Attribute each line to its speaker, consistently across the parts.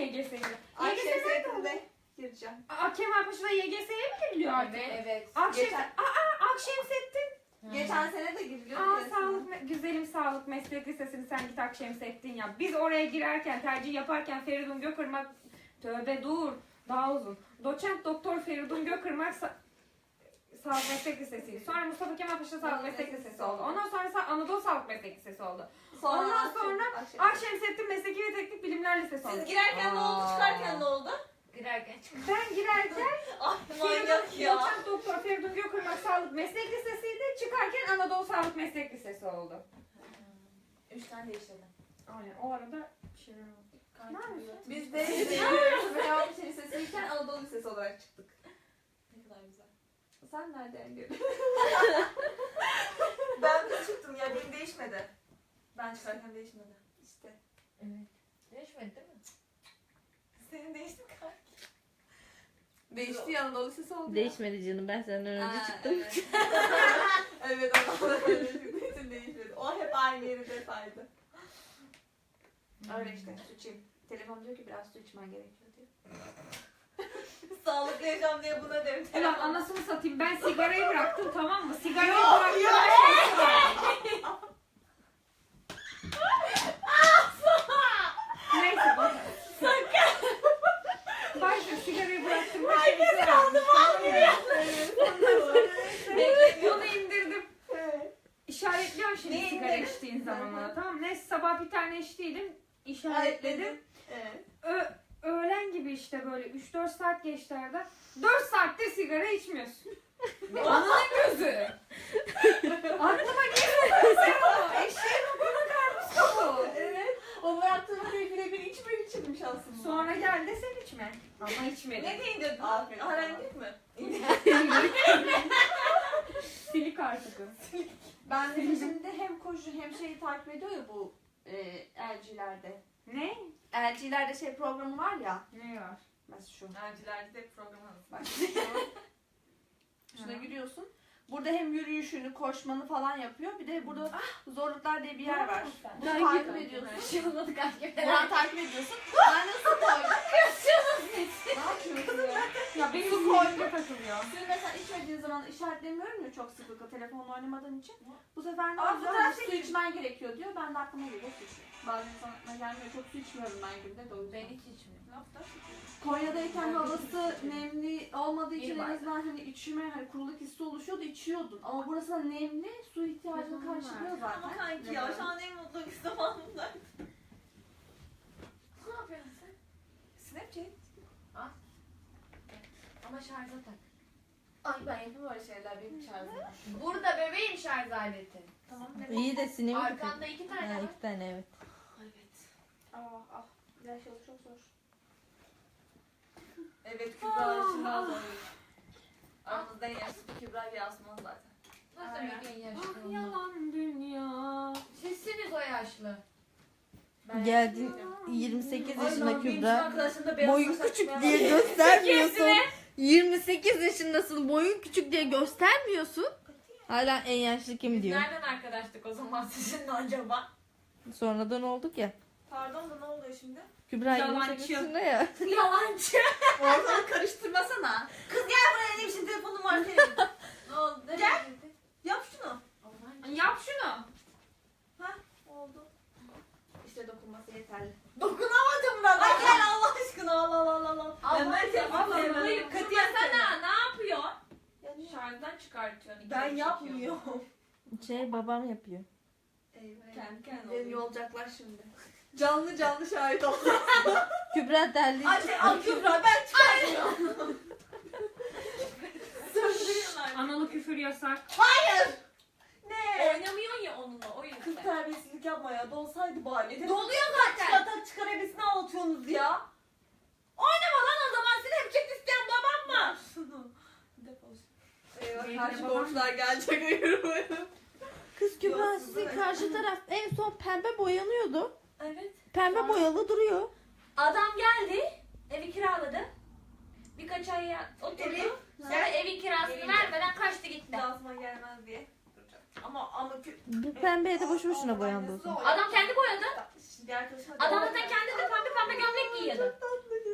Speaker 1: YGS'ye?
Speaker 2: Akşam
Speaker 1: YGS nerede oldu?
Speaker 2: setinde gireceğim.
Speaker 1: Kemalpaşa'da YGS'ye mi giriliyor artık?
Speaker 2: Evet.
Speaker 1: Akşemsettin.
Speaker 2: Geçen sene de giriliyor.
Speaker 1: Güzelim Sağlık Meslek Lisesi'ni sen git Akşemsettin ya. Biz oraya girerken, tercih yaparken Feridun Gökırmak, tövbe dur, daha uzun. Doçent Doktor Feridun Gökırmak Sağlık Meslek Lisesi'ydi. Sonra Mustafa Kemal Paşa Sağlık Meslek Lisesi oldu. Ondan sonra Anadolu Sağlık Meslek Lisesi oldu. Ondan sonra Akşemsettin Mesleki ve Teknik Bilimler Lisesi oldu.
Speaker 2: Siz girerken ne oldu, çıkarken ne oldu?
Speaker 3: Girerken çıkarken.
Speaker 1: Ben girerken
Speaker 2: Manyak ya.
Speaker 1: Doçent Doktor Feridun Gökırmak Sağlık Meslek Lisesi'ydi. Çıkarken Anadolu Sağlık Meslek Lisesi oldu.
Speaker 2: 3 tane değiştirdim.
Speaker 1: Aynen o arada bir şeyler oldu. Ne yapıyorsun?
Speaker 2: Biz de Fenerbahçe Lisesi'yken Anadolu Lisesi olarak çıktık. Ne kadar güzel. Sen nereden gördün? Ben de çıktım ya, benim değişmedi. Ben çıkarken değişmedi. İşte.
Speaker 3: Evet. Değişmedi değil mi?
Speaker 2: Senin değişti mi kanki? Değişti ya, Anadolu Lisesi oldu.
Speaker 4: Değişmedi canım, ben senden önce çıktım.
Speaker 2: Evet, evet Anadolu Lisesi için değişmedi. O hep aynı yeri detaydı. Öyle işte, su içeyim. Telefon diyor ki biraz su içmen gerekiyor diyor. Sağlıklı yaşam diye buna derim.
Speaker 1: Ulan anasını satayım, ben sigarayı bıraktım, tamam mı? Sigarayı
Speaker 2: Yok,
Speaker 1: bıraktım.
Speaker 2: yok.
Speaker 1: Her şey var. Neyse bak. Başka sigarayı bıraktım. Herkes kaldı Bunu indirdim. İşaretliyorum şimdi
Speaker 2: Ne
Speaker 1: sigara
Speaker 2: indirdin?
Speaker 1: içtiğin zaman ona, tamam mı? Neyse sabah bir tane içtiydim. İşaretledim.
Speaker 2: Evet.
Speaker 1: Öğlen gibi işte böyle 3-4 saat geçti arada. 4 saatte sigara içmiyorsun. Ananın gözü. Aklıma gelmedi sen o. Eşeğin okuna karmış kabuğu.
Speaker 2: Evet. O bıraktığım birebir içmek içinmiş aslında.
Speaker 1: Sonra gel de sen içme. Ama içmedin.
Speaker 2: Ne diye indirdin? Aferin. Öğrendik mi?
Speaker 1: Silik artık o.
Speaker 2: Ben de şimdi hem koşu hem şeyi takip ediyor ya bu LG'lerde.
Speaker 1: Ne?
Speaker 2: LG'lerde şey programı var ya.
Speaker 1: Ne var?
Speaker 2: Mesela şu.
Speaker 5: Öğrencilerde de programı
Speaker 2: Bak şuna giriyorsun. Burada hem yürüyüşünü, koşmanı falan yapıyor. Bir de burada zorluklar diye bir yer var. Bunu takip ediyorsun.
Speaker 3: Şey olmadı kanki.
Speaker 2: Buradan takip ediyorsun. Ben nasıl koydum? Ne yapıyorsun ya?
Speaker 1: Ya benim su koyunca takılıyor.
Speaker 2: Suyu mesela içmediğin zaman işaretlemiyorum ya çok sıklıkla telefonla oynamadığın için. Bu sefer ne
Speaker 5: Aa,
Speaker 2: oluyor?
Speaker 5: fotoğraf
Speaker 2: Su
Speaker 5: çekin.
Speaker 2: içmen gerekiyor diyor. Ben de aklıma geliyor su içiyorum. Bazen sana gelmiyor. Çok su içmiyorum ben günde de o yüzden.
Speaker 3: Ben hiç içmiyorum.
Speaker 2: Konya'dayken havası nemli olmadığı için
Speaker 3: Bir
Speaker 2: en
Speaker 3: bardak.
Speaker 2: azından hani içime hani kuruluk hissi oluşuyordu, içiyordun. Ama burası da nemli, su ihtiyacını karşılıyor zaten.
Speaker 5: Ama kanki ya şu an en mutlu zamanımda.
Speaker 3: Ne yapıyorsun sen?
Speaker 5: Snapchat.
Speaker 3: Ama şarja tak.
Speaker 2: Ay ben yapayım öyle şeyler benim şarjım.
Speaker 3: Burada bebeğim şarj aleti.
Speaker 2: Tamam.
Speaker 4: İyi de sinemi
Speaker 3: Arkanda 2 tane
Speaker 4: Ha,
Speaker 3: var.
Speaker 4: 2 tane evet.
Speaker 2: Evet. Ah. Yaş yolu çok zor.
Speaker 5: Evet Kübra şimdi az önce. Aramızda en yaşlı Kübra ile Asman zaten.
Speaker 3: Nasıl
Speaker 2: Aynen.
Speaker 3: bir yaşlı
Speaker 1: Ah
Speaker 3: onlar?
Speaker 1: yalan dünya.
Speaker 3: Sizsiniz o yaşlı.
Speaker 4: Geldin 28 yaşında Kübra.
Speaker 5: Arkadaşım da beyaz
Speaker 4: Boyun
Speaker 5: saç
Speaker 4: küçük
Speaker 5: açmaya
Speaker 4: diye
Speaker 5: başladı.
Speaker 4: göstermiyorsun. 28 yaşındasın. Boyun küçük diye göstermiyorsun. Hala en yaşlı kim diyor.
Speaker 5: Nereden arkadaştık o zaman sizinle acaba?
Speaker 4: Sonradan olduk ya.
Speaker 5: Pardon da ne oluyor şimdi?
Speaker 4: Kübra
Speaker 1: Yalancı.
Speaker 4: 28 yaşında ya.
Speaker 5: Yalancı. Ortalığı karıştırmasana. Kız gel buraya benim için telefonum var senin.
Speaker 3: Ne oldu?
Speaker 5: Gel. Yap şunu.
Speaker 1: Yap şunu.
Speaker 5: Oldu.
Speaker 2: İşte dokunması yeterli.
Speaker 5: Dokunamadım ben. Ay gel Allah aşkına Allah.
Speaker 3: Allah
Speaker 5: Hayır
Speaker 1: Hayır,
Speaker 5: katiyen
Speaker 1: kırmasana. Ne yapıyor?
Speaker 2: Yani
Speaker 1: Şarjdan çıkartıyorsun.
Speaker 5: Ben yapmıyorum.
Speaker 4: Babam yapıyor.
Speaker 2: eyvah.
Speaker 5: Kendi kendine
Speaker 2: Beni
Speaker 5: oluyor.
Speaker 2: yolacaklar şimdi.
Speaker 5: Canlı şahit ol.
Speaker 4: Kübra derli.
Speaker 5: Ay Kübra ben çıkarmıyorum. Söndürüyorlar.
Speaker 1: Analı küfür yasak.
Speaker 5: Ne?
Speaker 3: Oynamıyorsun ya onunla o
Speaker 5: Kız
Speaker 3: yüzden.
Speaker 5: terbiyesizlik yapma ya. Dolsaydı bari.
Speaker 3: Doluyor zaten.
Speaker 5: Çıkar hevesini ağlatıyorsunuz ya. Oynama lan o zaman. Snapchat isteyen babam mı? Defol.
Speaker 2: Eyvah
Speaker 1: Benim
Speaker 2: karşı
Speaker 1: de babam-
Speaker 2: komşular gelecek ayırmayın.
Speaker 4: Kız Kübra
Speaker 2: Yok,
Speaker 4: sizin
Speaker 2: ben-
Speaker 4: karşı taraf en son pembe boyanıyordu.
Speaker 5: Evet.
Speaker 4: Pembe boyalı duruyor.
Speaker 3: Adam geldi. Evi kiraladı. Birkaç ay oturdu.
Speaker 5: Evi-
Speaker 3: Sonra evin kirasını
Speaker 5: Gelince.
Speaker 3: vermeden kaçtı gitti.
Speaker 5: Dansıma gelmez diye. Duracağım. Ama
Speaker 4: Bu pembeye de boşu boşuna boyandı o zaman.
Speaker 3: Adam kendi boyadı.
Speaker 5: Şimdi arkadaşlar.
Speaker 3: Adam zaten kendi de pembe gömlek giyiyordu.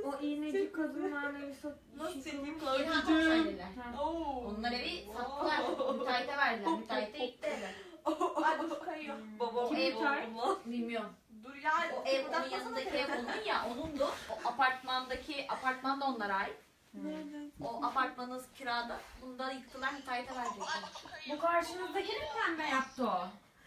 Speaker 1: O iğneci kadınlar evi
Speaker 5: Nasıl çekeyim
Speaker 3: İlhan
Speaker 5: kardeşim?
Speaker 3: Konserliler.
Speaker 5: Oo.
Speaker 3: Onlar evi sattılar. Müteahhite verdiler. Müteahhite yıktı evi.
Speaker 2: Ay dur kayıyor.
Speaker 5: Babam
Speaker 1: Kim
Speaker 5: ev
Speaker 1: müteahhit?
Speaker 5: oldu lan.
Speaker 3: Bilmiyorum.
Speaker 2: Dur ya.
Speaker 3: O ev onun
Speaker 2: kıpırdatmasana
Speaker 3: yanındaki ev
Speaker 2: telefonu.
Speaker 3: onun ya. Onundu. O apartman da onlara ait. O apartmanı kirada. Bunu da yıktılar. Müteahhite verecekler.
Speaker 1: Bu karşınızdakini mi pembe yaptı o?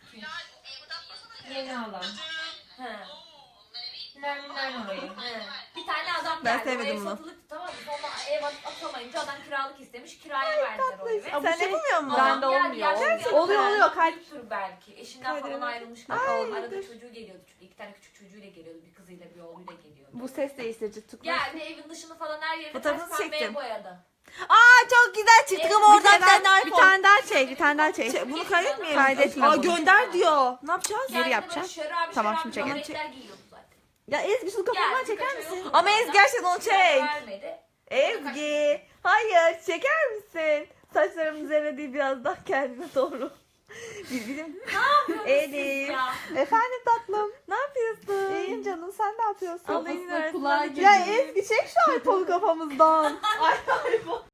Speaker 1: Yeni alan.
Speaker 3: He.
Speaker 1: Nermin orayı.
Speaker 3: He. Bir tane adam
Speaker 4: Ben
Speaker 3: geldi.
Speaker 4: sevmedim
Speaker 3: o ev
Speaker 4: bunu.
Speaker 3: satılıktı tamam mı? Sonra ev atamayınca adam kiralık istemiş. Kiraya verdiler o evi.
Speaker 2: Sen yapamıyor musun?
Speaker 3: Adam
Speaker 2: Bende
Speaker 3: geldi,
Speaker 2: olmuyor.
Speaker 3: yaşlı bir
Speaker 2: Oluyor
Speaker 3: adam.
Speaker 2: oluyor kalp.
Speaker 3: Büyüktür belki. Eşinden falan ayrılmış. Arada çocuğu geliyordu. Çünkü 2 tane küçük çocuğuyla geliyordu. Bir kızıyla bir oğluyla geliyordu.
Speaker 2: Bu ses değiştirici tutmuş.
Speaker 3: Geldi evin dışını falan her yerini
Speaker 2: Fotoğrafını
Speaker 3: ters pembeye
Speaker 2: çektim.
Speaker 3: boyadı.
Speaker 2: Aa çok güzel çıktık ama oradan bir tane
Speaker 4: Bir tane daha çek, bir tane daha çek.
Speaker 2: Bunu kaydetmeyelim.
Speaker 4: Kaydetme
Speaker 2: Aa
Speaker 4: bunu.
Speaker 2: gönder diyor. Ne yapacağız?
Speaker 3: Kendine
Speaker 4: yapacağım.
Speaker 3: böyle şörabi
Speaker 4: Tamam,
Speaker 3: şörabi
Speaker 4: şimdi çekelim.
Speaker 3: gömlekler giyiyordu zaten.
Speaker 2: Ya Ezgi şu kafamdan
Speaker 3: Geldi,
Speaker 2: çeker
Speaker 3: birkaç ay
Speaker 2: misin?
Speaker 3: oldu
Speaker 2: Ama
Speaker 3: zaten.
Speaker 2: Ezgi gerçekten onu
Speaker 3: Kiraya
Speaker 2: çek.
Speaker 3: vermedi.
Speaker 2: Ezgi. Hayır çeker misin? Saçlarımın üzerine değil biraz daha kendine doğru. Bizim Elif.
Speaker 3: Ya.
Speaker 2: Efendim tatlım. Ne yapıyorsun? İyiyim canım. Sen ne yapıyorsun?
Speaker 4: Kafasına kulağa
Speaker 2: Ya Ezgi çek şu iPhone'u kafamızdan.